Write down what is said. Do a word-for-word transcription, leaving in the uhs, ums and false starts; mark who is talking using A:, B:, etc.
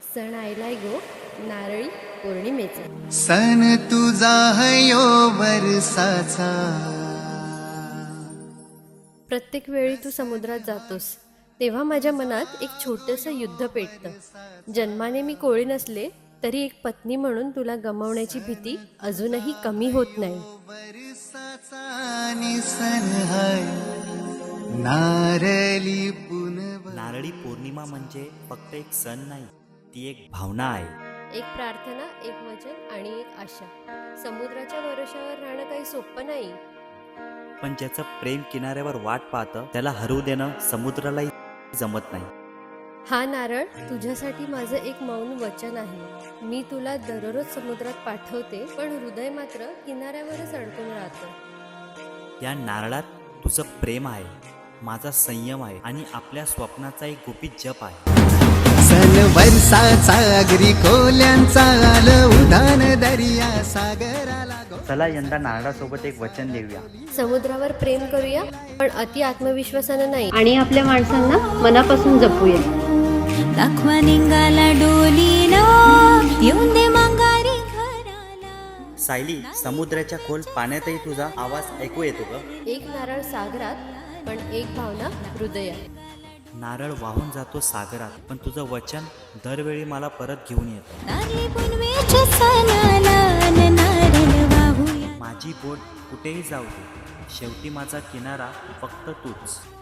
A: सण आयलाय गो नारळी पौर्णिमेचा.
B: सण तुझा हयो वर्षाचा.
A: प्रत्येक वेळी तू समुद्रात जातोस तेव्हा माझ्या मनात एक छोटंसं युद्ध पेटतं. जन्माने मी कोळी नसले तरी एक पत्नी म्हणून तुला गमावण्याची भीती अजूनही कमी होत नाही.
B: वर्षाचा आणि सण हाय नारळी पुनव.
C: नारळी पौर्णिमा म्हणजे फक्त एक सण नाही, ती एक भावना आहे.
A: एक प्रार्थना, एक वचन आणि एक आशा. समुद्राच्या भरोशावर राहणं काही सोपं नाही.
C: पण ज्याचं प्रेम किनाऱ्यावर वाट पाहतं त्याला हरवू देणं समुद्रालाही जमत नाही.
A: हा नारळ तुझ्यासाठी माझं एक मौन वचन आहे. मी तुला दररोज समुद्रात पाठवते, पण हृदय मात्र किनाऱ्यावरच अडकून राहतं.
C: या नारळात तुझं प्रेम आहे, माझा संयम आहे आणि आपल्या स्वप्नाचा एक गुपित जप आहे.
B: सण वर्षाचा अगरी खोल्यांचा आलं उधान दर्या सागराला.
C: चला यंदा नारळासोबत एक वचन देऊया.
A: समुद्रावर प्रेम करूया, पण अति आत्मविश्वासानं नाही, आणि आपल्या माणसांना मनापासून जपूया.
D: दाखवा निघाला डोलीला येऊन दे मांगारी घराला.
C: सायली, समुद्राच्या खोल पाण्यातही तुझा आवाज ऐकू येतो ग.
A: एक नारळ सागरात, पण एक भावना हृदयात.
C: नारळ वाहून जातो सागरात, पण तुझं वचन दरवेळी मला परत घेऊन येतं.
D: नारळी पुनवेच्या सणाला न नारळ वाहूया.
C: माझी बोट कुठेही जाऊ दे, शेवटी माझा किनारा फक्त तूच.